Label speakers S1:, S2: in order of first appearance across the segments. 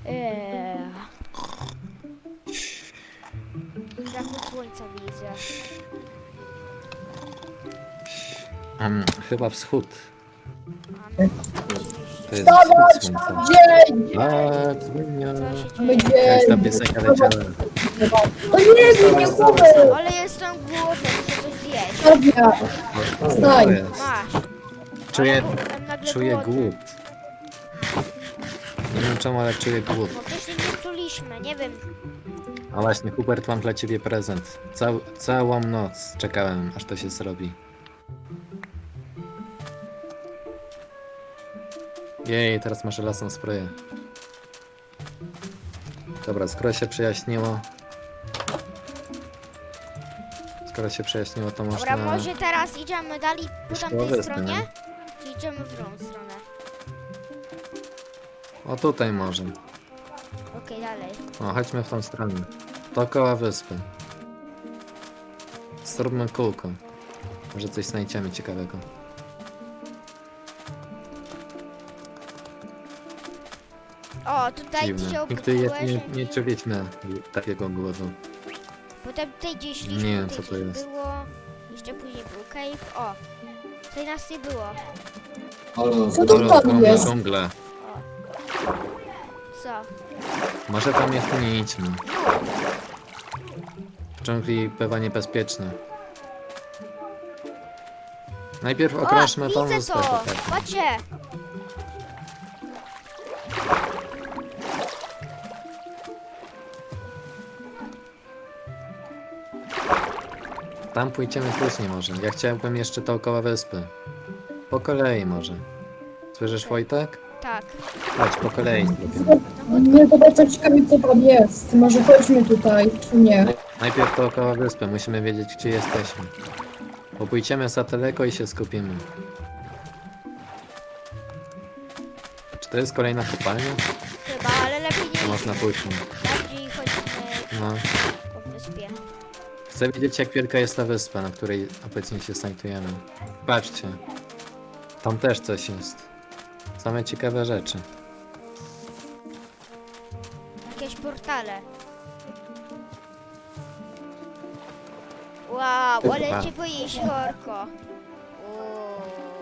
S1: Zachód słońca widzę.
S2: Chyba wschód.
S1: A no,
S2: To jest wschód słońca.
S3: Dzień!
S2: Tak, zmienia.
S1: co się
S3: Mamy
S1: dzieje?
S2: Jakaś ta
S3: dzień!
S2: piosenka leciała.
S3: O nie, zmienię głowę!
S1: Ale jestem głodny, muszę coś zjeść.
S3: Dobra,
S2: O,
S3: Wstań.
S2: to jest.
S1: Masz.
S2: Czuję,
S1: Jestem nagle
S2: czuję
S1: głodny.
S2: głód. Nie wiem czemu, ale czuję głód.
S1: No wcześniej nie czuliśmy, nie wiem.
S2: A właśnie, Hubert, mam dla ciebie prezent. Całą noc czekałem, aż to się zrobi. Jej, teraz masz lasą sprayę. Dobra, skoro się przejaśniło, to
S1: Dobra,
S2: można...
S1: może teraz idziemy dalej po
S2: Już po
S1: tamtej
S2: wyspy,
S1: stronie?
S2: nie?
S1: Czy idziemy w drugą stronę?
S2: O, tutaj może.
S1: Okej, dalej.
S2: O, chodźmy w tą stronę. Dookoła wyspy. Zróbmy kółko. Może coś znajdziemy ciekawego.
S1: O, tutaj
S2: Dziwne.
S1: się
S2: Nigdy
S1: opróżniłeś,
S2: nie czuliśmy takiego głodu.
S1: potem tutaj gdzieś szliśmy,
S2: Nie wiem,
S1: tutaj
S2: co to
S1: gdzieś
S2: jest.
S1: było. Jeszcze później był cave. O, tutaj nas nie było.
S3: co to tam jest?
S2: Dżungle.
S1: Co?
S2: Może tam jeszcze nie idźmy. W dżungli bywa niebezpieczne. Najpierw okrążmy tą
S1: widzę
S2: wyspę.
S1: to!
S2: tutaj.
S1: Patrzcie!
S2: Tam pójdziemy później może. Ja chciałbym jeszcze dookoła wyspy. Po kolei może. Słyszysz, Wojtek?
S1: Tak.
S2: Chodź, po kolei zrobimy.
S3: Nie, to bardzo ciekawie co tam jest. Może chodźmy tutaj, czy nie?
S2: Najpierw dookoła wyspy, musimy wiedzieć, gdzie jesteśmy. Bo pójdziemy za daleko i się skupimy. Czy to jest kolejna kopalnia?
S1: Chyba, ale lepiej
S2: To
S1: nie
S2: można później.
S1: bardziej chodźmy
S2: No.
S1: po wyspie.
S2: Chcę wiedzieć, jak wielka jest ta wyspa, na której obecnie się znajdujemy. Patrzcie. Tam też coś jest. Same ciekawe rzeczy.
S1: Jakieś portale. Wow, ale
S2: Chyba.
S1: cię boisz, Jorko. Uuu.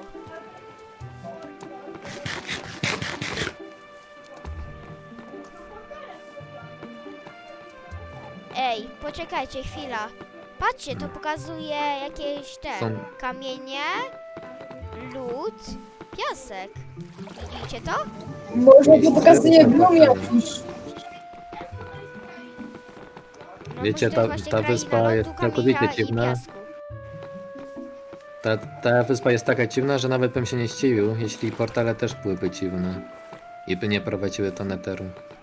S1: Ej, poczekajcie chwila. Patrzcie, to pokazuje jakieś te
S2: Są-
S1: kamienie, lód, piasek. Widzicie to?
S3: Może to pokazuje grom jakiś.
S1: No,
S2: Wiecie,
S1: bo to jest
S2: ta
S1: właśnie
S2: wyspa
S1: kraina
S2: jest
S1: lodu,
S2: całkowicie
S1: kamienia i
S2: dziwna.
S1: piasku.
S2: Ta wyspa jest taka dziwna, że nawet bym się nie zdziwił, jeśli portale też byłyby dziwne. I by nie prowadziły do neteru.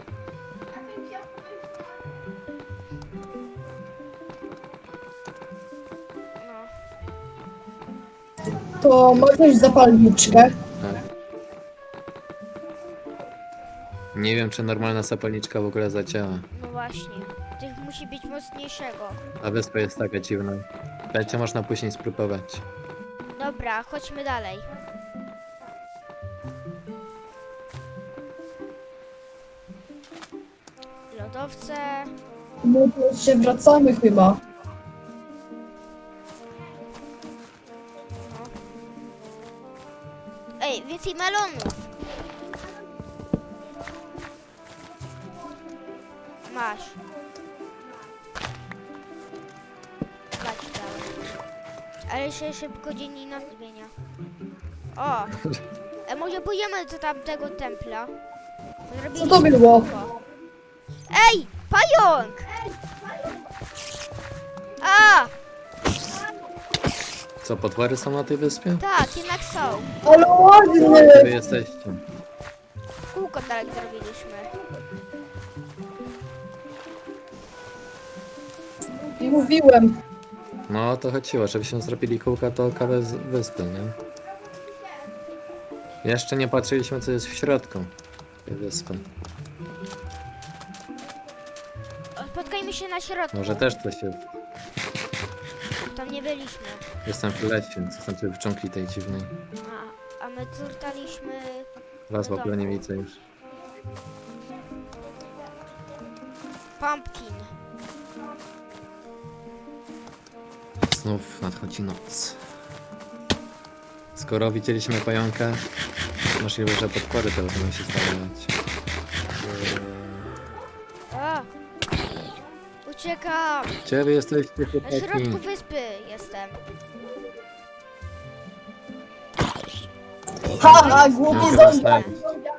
S1: No.
S3: To ma ktoś zapalniczkę.
S2: Tak. Nie wiem, czy normalna zapalniczka w ogóle zadziała.
S1: No właśnie, tych musi być mocniejszego.
S2: A wyspa jest taka dziwna. Będzie można później spróbować.
S1: Dobra, chodźmy dalej. Lodowce.
S3: No to się wracamy chyba.
S1: Ej, więcej melonów. Masz. Patrz dalej. Ale się szybko dzień i noc zmienia. O! Może pójdziemy do tamtego templa?
S3: Co to było?
S1: kółko. Ej! Pająk! A!
S2: Co, potwory są na tej wyspie?
S1: Tak, jednak są.
S3: Ale ładny!
S2: Gdzie wy jesteście?
S1: Kółko dalej zrobiliśmy.
S3: Mówiłem.
S2: No o to chodziło, żebyśmy zrobili kółka dookoła wyspy, nie? Jeszcze nie patrzyliśmy, co jest w środku tej wyspy.
S1: Spotkajmy się na środku.
S2: Może też coś jest.
S1: Tam nie byliśmy.
S2: Jestem w lesie, to znaczy w dżungli tej dziwnej.
S1: A my turtaliśmy...
S2: Was w ogóle nie widzę już.
S1: Pumpkin.
S2: Znów nadchodzi noc. Skoro widzieliśmy pająka, możliwe, że potwory też będą się stawiać.
S1: A! Uciekam!
S2: Gdzie wy jesteście,
S1: Na
S2: chłopaki?
S1: środku wyspy jestem.
S3: Ha, głupi
S2: Mogę
S3: zombie!
S2: zostawić.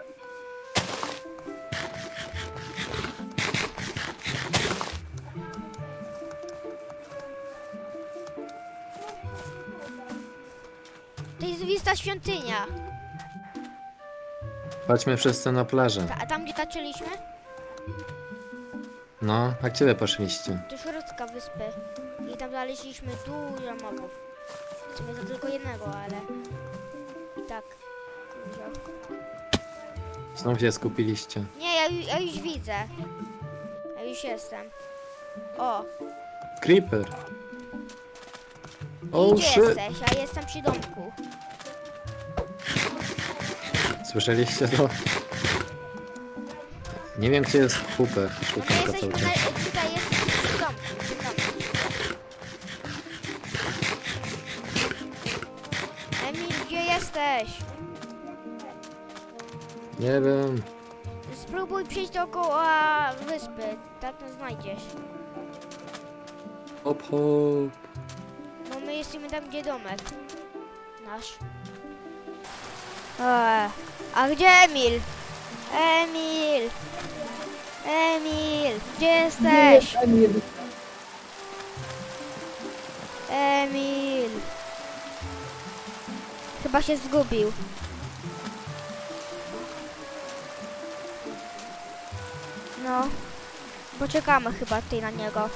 S1: To jest zwista świątynia.
S2: Chodźmy wszyscy na plażę.
S1: A tam gdzie taczyliśmy?
S2: No, a gdzie wy poszliście?
S1: Do środka wyspy. I tam znaleźliśmy dużo mobów. W sumie to tylko jednego, ale... I tak. Dużo.
S2: Znów się skupiliście.
S1: Nie, ja już widzę. Ja już jestem. O,
S2: Creeper!
S1: i
S2: Oh
S1: gdzie
S2: shit!
S1: jesteś? Ja jestem przy domku.
S2: Słyszeliście to? Nie wiem, gdzie jest Hooper.
S1: No
S2: Szukam
S1: my
S2: go
S1: jesteśmy
S2: cały czas.
S1: tutaj jesteśmy przy domku. Przy domku. Emil, gdzie jesteś?
S2: Nie wiem.
S1: Spróbuj przejść dookoła wyspy. Tak to znajdziesz.
S2: Hop, hop.
S1: No my jesteśmy tam, gdzie domek. Nasz. A gdzie Emil? Emil! Emil! Gdzie
S3: Gdzie
S1: jesteś?
S3: jest Emil?
S1: Emil! Chyba się zgubił. No. Poczekamy chyba tutaj na niego.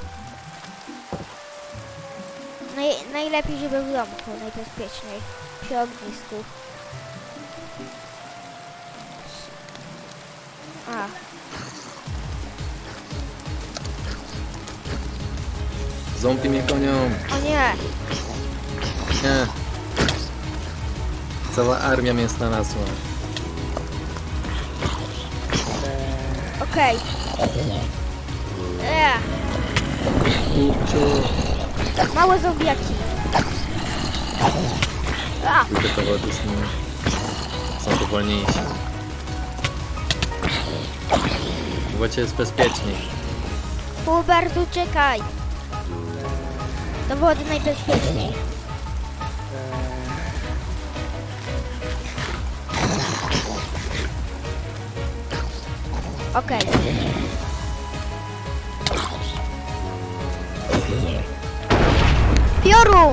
S1: Najlepiej, żeby w domku, najbezpieczniej. Przy ognisku. A.
S2: Zombie mnie gonią.
S1: O nie!
S2: Nie. Cała armia mnie znalazła.
S1: Okej.
S2: Kurczę.
S1: Małe zombiaki. A!
S2: Tylko powody są tu wolniejsi. W wodzie jest bezpieczniej.
S1: Hubert, uciekaj! Do wody najbezpieczniej. Okej. Piorun!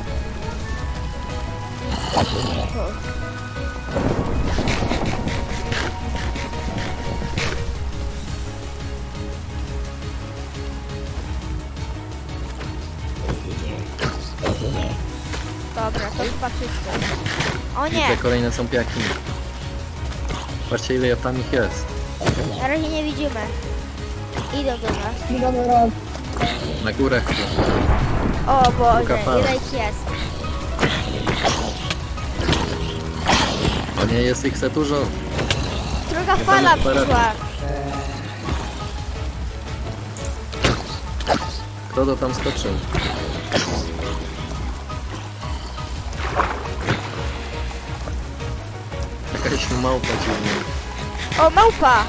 S1: Dobra, to chyba wszystko. O nie!
S2: Widzę kolejne zombiaki. Patrzcie, ile tam ich jest.
S1: Na razie nie widzimy. Idą do nas.
S3: Nie damy rady.
S2: Na górach.
S1: O Boże,
S2: fala.
S1: ile ich jest?
S2: O nie, jest ich za dużo.
S1: Druga
S2: Nie
S1: fala
S2: damy chyba rady.
S1: przyszła.
S2: Kto to tam skoczył? Jakaś małpa dziwna.
S1: O, małpa!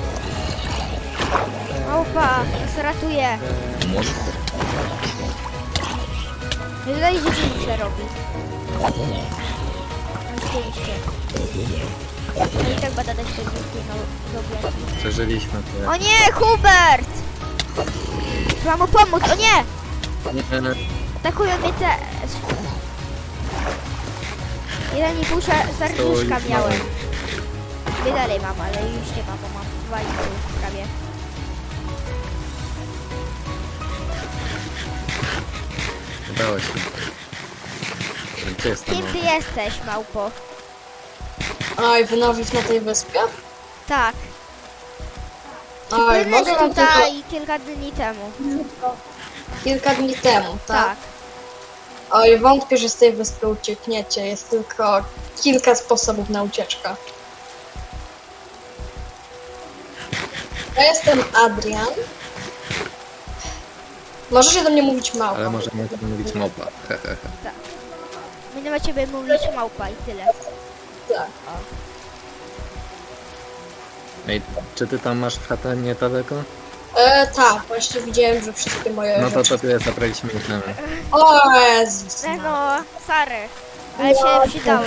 S1: Małpa, nas ratuje. Wydaje się, że nic robi. Na zdjęcie. No i tak będę dać te zobaczyć.
S2: Przeżyliśmy to.
S1: O nie, Hubert! Trzeba mu pomóc, o nie!
S2: Nie,
S1: Atakują mnie też. 1,5 serduszka
S2: Stoi,
S1: miałem. Dwie dalej mam, ale już nie mam, bo mam 2,5 prawie.
S2: udało się. Gdzie jest ta
S1: Kim ty
S2: małpa?
S1: jesteś, małpo?
S4: Oj, wynowić na tej wyspie?
S1: Tak.
S4: Oj,
S1: Byłeś
S4: mogę wam tylko
S1: tutaj kilka dni temu.
S4: kilka dni temu, tak?
S1: Tak.
S4: Oj, wątpię, że z tej wyspy uciekniecie. Jest tylko kilka sposobów na ucieczkę. Ja jestem Adrian Możecie do mnie mówić małpa.
S2: Ale możemy tak mówić małpa.
S1: Będę na ciebie mówić małpa i tyle.
S4: Tak.
S2: Ej, czy ty tam masz chatę niedaleko?
S4: Tak, właśnie widziałem, że wszystkie moje
S2: No to
S4: rzeczy...
S2: tobie zabraliśmy itemy.
S4: O Jezus.
S1: No, sorry. Ale się przydałeś.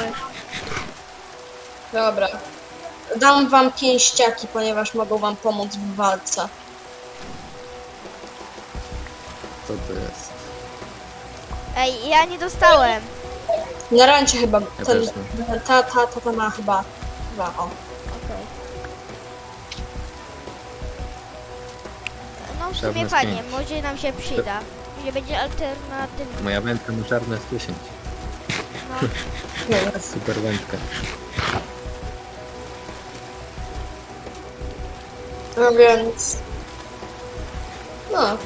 S4: Dobra. Dam wam pięściaki, ponieważ mogą wam pomóc w walce.
S2: Co to jest?
S1: Ej, ja nie dostałem.
S4: Na rancie chyba
S2: Ja
S4: ten,
S2: też nie.
S4: ta ma chyba dwa, o.
S1: Okej. No w
S2: Czarne
S1: sumie
S2: z
S1: fajnie,
S2: pięć.
S1: może nam się przyda. Nie będzie alternatywny.
S2: Moja wędka ma czarne z 10.
S1: No,
S2: Super wędka.
S4: No więc... No.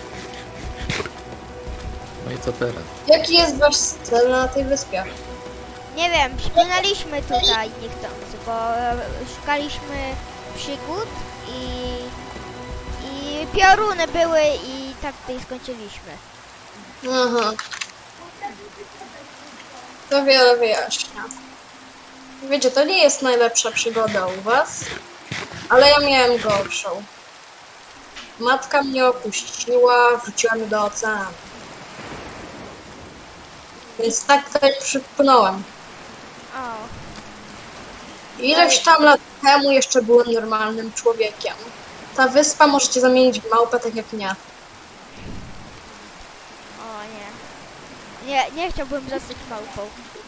S2: No i co teraz?
S4: Jaki jest wasz cel na tej wyspie?
S1: nie wiem, przypłynęliśmy tutaj niechcący, bo szukaliśmy przygód i pioruny były i tak tutaj skończyliśmy.
S4: Aha. To wiele wyjaśnia. Wiecie, to nie jest najlepsza przygoda u was, ale ja miałem gorszą. Matka mnie opuściła, wrzuciła mnie do oceanu. Więc tak tutaj przypłynąłem.
S1: O,
S4: Ileś tam lat temu jeszcze byłem normalnym człowiekiem. Ta wyspa możecie zamienić w małpę tak jak mnie.
S1: o nie. Nie chciałbym zostać małpą.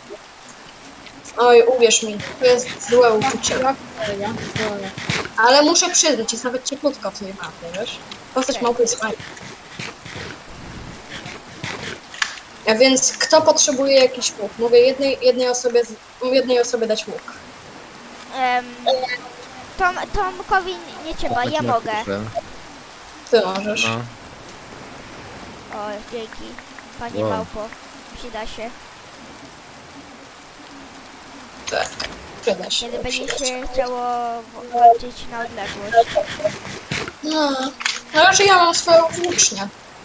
S4: Oj, uwierz mi, to jest złe uczucie.
S3: Jak to, jak to?
S4: Ale muszę przyznać, jest nawet cieplutko w tej mapie, wiesz? Postać
S1: Okej.
S4: małpy jest fajna. A więc kto potrzebuje jakiś łuk? Mówię jednej osobie dać łuk.
S1: Tomkowi nie trzeba, ja
S2: Chodźmy,
S1: mogę.
S2: proszę.
S4: Ty możesz.
S2: No,
S1: O, dzięki. Panie
S2: Wow.
S1: małpo, przyda się.
S4: Tak, przyda się.
S1: Kiedy będzie
S4: przyda się.
S1: się chciało walczyć na odległość.
S4: No, ale że ja mam swoją włócznię.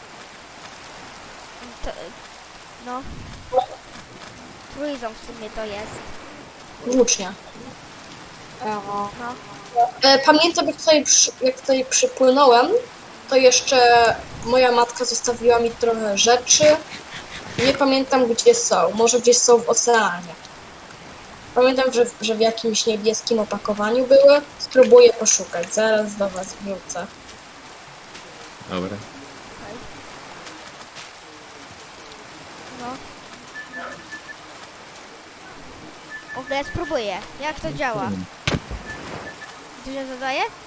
S1: To, no. Trójzą w sumie to jest.
S4: Włócznia.
S1: No.
S4: Pamiętam, jak tutaj przypłynąłem, to jeszcze moja matka zostawiła mi trochę rzeczy. Nie pamiętam, gdzie są. Może gdzieś są w oceanie. Pamiętam, że w jakimś niebieskim opakowaniu były. Spróbuję poszukać. Zaraz do was wrócę.
S2: dobra.
S1: Okej. No. W ogóle spróbuję. Jak to działa? Dużo zadaje?